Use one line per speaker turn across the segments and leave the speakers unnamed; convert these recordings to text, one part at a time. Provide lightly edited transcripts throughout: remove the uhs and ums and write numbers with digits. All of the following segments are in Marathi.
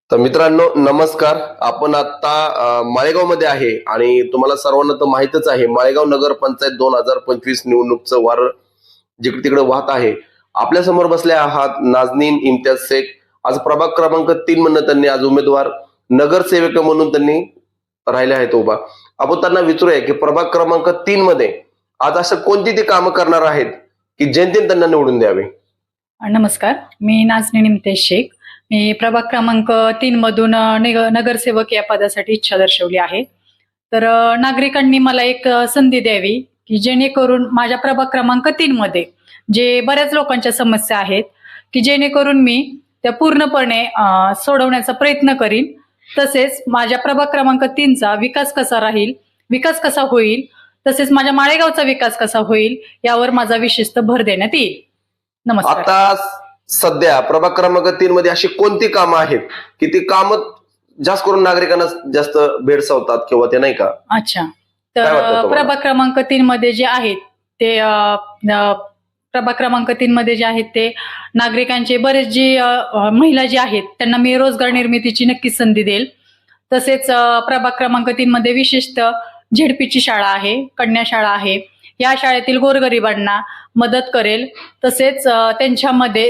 तर मित्रांनो नमस्कार. आपण आता माळेगाव मध्ये आहे आणि तुम्हाला सर्वांना तर माहितच आहे माळेगाव नगर पंचायत 2025 निवडणूकचं वार जिकडे तिकडे वाहत आहे. आपल्या समोर बसले आहात नाजनीन इम्तियाज शेख. आज प्रभाग क्रमांक 3 म्हणून त्यांनी आज उमेदवार नगरसेवक म्हणून त्यांनी राहिले आहेत उभा. आपण त्यांना विचारूया की प्रभाग क्रमांक 3 मध्ये आज असं कोणती ते कामं करणार आहेत की जनतेने त्यांना निवडून द्यावे.
नमस्कार, मी नाजनीन इम्तियाज शेख. मी प्रभाग क्रमांक 3 मधून नगरसेवक या पदासाठी इच्छा दर्शवली आहे. तर नागरिकांनी मला एक संधी द्यावी की जेणेकरून माझ्या प्रभाग क्रमांक 3 मध्ये जे बऱ्याच लोकांच्या समस्या आहेत की जेणेकरून मी त्या पूर्णपणे सोडवण्याचा प्रयत्न करीन. तसेच माझ्या प्रभाग क्रमांक 3चा विकास कसा राहील, विकास कसा होईल, तसेच माझ्या माळेगावचा विकास कसा होईल यावर माझा विशेषतः भर देण्यात येईल. नमस्कार.
आता सध्या प्रभाग क्रमांक 3 मध्ये अशी कोणती कामं आहेत की ती कामं जास्त करून नागरिकांना जास्त भेडसावतात किंवा ते नाही का?
अच्छा,
काय वाटतं
तर
तुम्हाला?
प्रभाग क्रमांक 3 मध्ये जे आहेत ते प्रभाग क्रमांक 3 मध्ये जे आहेत ते नागरिकांचे बरेच जे महिला जे आहेत त्यांना मी रोजगार निर्मितीची नक्कीच संधी देईल. तसेच प्रभाग क्रमांक 3 मध्ये विशेषतः झेडपीची शाळा आहे, कन्या शाळा आहे, या शाळेतील गोरगरिबांना मदत करेल. तसेच त्यांच्यामध्ये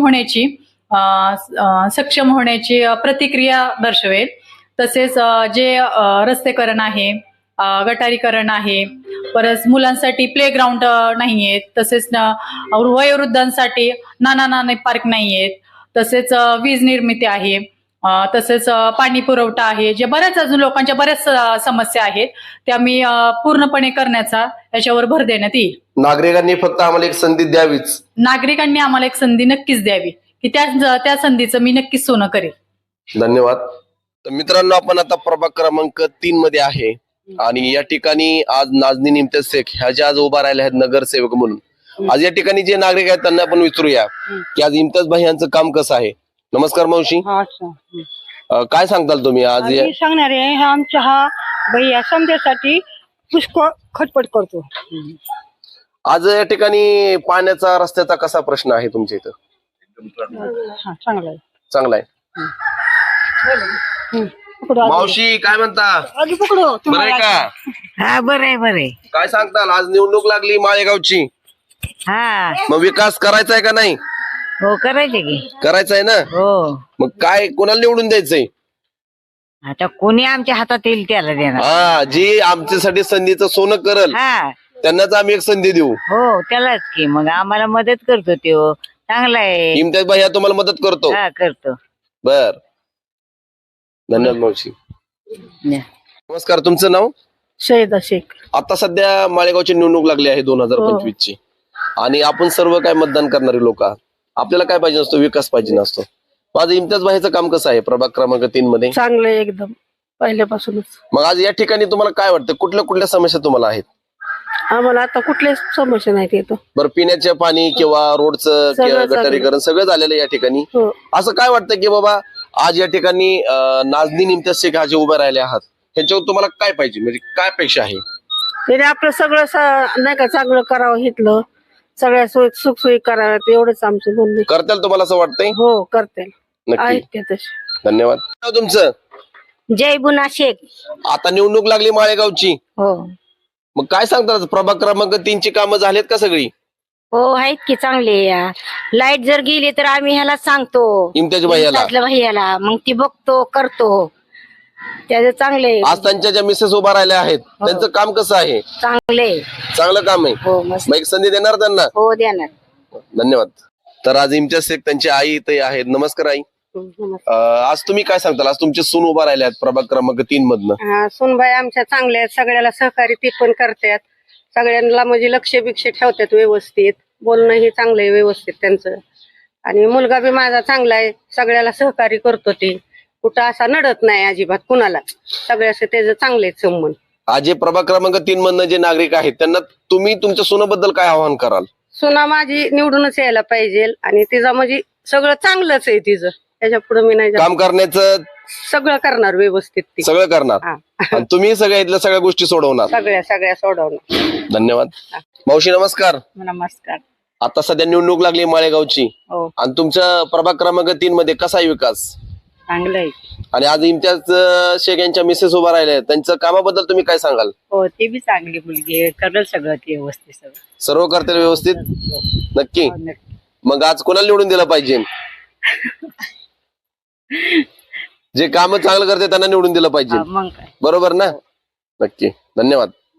सक्षम होण्याची प्रतिक्रिया दर्शवेल. तसेच जे रस्तेकरण आहे, गटारीकरण आहे, परत मुलांसाठी प्लेग्राऊंड नाहीयेत, तसेच वयोवृद्धांसाठी नाना पार्क नाहीयेत, तसेच वीज निर्मिती आहे, तसेच पाणी पुरवठा आहे. जे बऱ्याच अजून लोकांच्या बऱ्याच समस्या आहेत त्या मी पूर्णपणे करण्याचा याच्यावर भर देण्यात येईल.
नागरिकांनी फक्त आम्हाला एक संधी द्यावीच.
नागरिकांनी आम्हाला एक संधी नक्कीच द्यावी की त्या संधीचं मी नक्कीच सोनं करेल.
धन्यवाद. तर मित्रांनो आपण आता प्रभाग क्रमांक 3 मध्ये आहे आणि या ठिकाणी आज नाजनीन इम्तियाज शेख ह्या ज्या आज उभा राहिल्या आहेत नगरसेवक म्हणून. आज या ठिकाणी जे नागरिक आहेत त्यांना आपण विचारूया की आज इम्तियाज भाई यांचं काम कसं आहे. नमस्कार मावशी, काय सांगताल तुम्ही आज?
आम्ही सांगणार आहे आमच्या हा भैया समजासाठी पुष्कळ खटपट करतो.
आज या ठिकाणी पाण्याचा रस्त्याचा कसा प्रश्न आहे तुमच्या इथं?
हा चांगला आहे.
चांगला आहे.
पकडू आधी.
मावशी काय म्हणता?
आधी पकडू
बरं आहे
तुम्हाला.
का?
हा बरंय बरंय.
काय सांगताल? आज निवडणूक लागली माळेगावची,
हा
मग विकास करायचा आहे का नाही?
हो करायचे की.
करायचा आहे ना.
हो
मग काय कोणाला निवडून द्यायचंय?
आता कोणी आमच्या हातात येईल त्याला देणार.
हा, जी आमच्यासाठी संधीचं सोनं करल
हा
त्यांनाच आम्ही एक संधी देऊ.
हो त्यालाच की. मग आम्हाला मदत करतो तो चांगला आहे.
इम्तियाज भाई तुम्हाला मदत करतो.
हा करतो.
बर, धन्यवाद मावशी. नमस्कार, तुमचं नाव?
शहीदा शेख.
आता सध्या माळेगावची निवडणूक लागली आहे 2025 ची आणि आपण सर्व काय मतदान करणारे लोक आहात. आपल्याला काय पाहिजे असतो? विकास पाहिजे नसतो. माझं इम्तियाज भाईचं काम कसं आहे प्रभाग क्रमांक 3 मध्ये?
चांगलं आहे एकदम पहिल्यापासूनच.
मग आज या ठिकाणी तुम्हाला काय वाटतं कुठल्या कुठल्या समस्या तुम्हाला आहेत?
आम्हाला आता कुठल्याच समस्या नाही येतो.
बरं, पिण्याचे पाणी किंवा रोडचं
सगळं
किंवा
चांगलं.
गटारीकरण सगळं झालेलं आहे या ठिकाणी.
हो.
असं काय वाटतं की बाबा आज या ठिकाणी नाजनीन इम्तियाज शेख जे उभे राहिले आहात ह्याच्यावर तुम्हाला काय पाहिजे, म्हणजे काय अपेक्षा आहे?
त्याने आपलं सगळं नाही का चांगलं करावं, घेतलं सगळ्या सुखसोयी कराव्यात एवढंच आमचं म्हणणं आहे.
करताल तुम्हाला असं वाटतंय?
हो करते
नक्की.
आहेत ते तसे.
धन्यवाद. नाव तुमचं?
जय बुना शेख.
आता निवडणूक लागली माळेगावची,
हो
मग काय सांगतात प्रभाग क्रमांक 3 ची कामं झालीत का सगळी?
हो आहेत की चांगले. लाईट जर गेली तर आम्ही ह्याला सांगतो
इम्तियाज भाईला.
भैयाला, मग ती बघतो करतो त्याचं चांगले.
आज त्यांच्या ज्या मिसेस उभा राहिल्या आहेत त्यांचं काम कसं आहे?
चांगले.
चांगलं काम आहे.
हो मस्त.
मग एक संधी देणार त्यांना?
हो देणार.
धन्यवाद. तर आज इम्तियाज शेख त्यांची आई इथे आहेत. नमस्कार आई. आज तुम्ही काय सांगताल? आज तुमचे सून उभा राहिले आहेत प्रभाग क्रमांक 3 मधनं.
सुनबाई आमच्या चांगल्या आहेत, सगळ्याला सहकारी ते पण करतात, सगळ्यांना म्हणजे लक्ष बिक्ष ठेवतात व्यवस्थित, बोलणं हे चांगलं आहे व्यवस्थित त्यांचं. आणि मुलगा बी माझा चांगला आहे, सगळ्याला सहकार्य करतो. ते कुठं असा नडत नाही अजिबात कुणाला, सगळ्याचे त्याचं चांगले संबंध.
आज जे प्रभाग क्रमांक 3 मधनं जे नागरिक आहेत त्यांना तुम्ही तुमच्या सुनाबद्दल काय आवाहन कराल?
सुना माझी निवडूनच यायला पाहिजे आणि तिचं म्हणजे सगळं चांगलंच आहे तिचं. त्याच्या पुढे मी नाही
काम करण्याचं
सगळं करणार व्यवस्थित ती.
सगळं करणार
हा.
आणि तुम्ही सगळ्या इथल्या सगळ्या गोष्टी सोडवणार.
सगळ्या सोडवणार.
धन्यवाद. मावशी नमस्कार.
नमस्कार.
आता सध्या निवडणूक लागली माळेगावची
हो
आणि तुमच्या प्रभाग क्रमांक 3 मध्ये कसा आहे विकास?
चांगलं आहे.
आणि आज इम्तियाज शेख यांच्या मिसेस उभा राहिल्या आहेत, त्यांच्या कामाबद्दल तुम्ही काय सांगाल?
हो, ती बी चांगली मुलगी आहे, करेल सगळं ती व्यवस्थित सगळं.
सर्व करतील व्यवस्थित? नक्की.
हो, नक्की.
मग आज कोणाला निवडून दिलं पाहिजे? जे काम चांगलं करते त्यांना निवडून दिलं पाहिजे,
मग काय.
बरोबर ना? नक्की. धन्यवाद.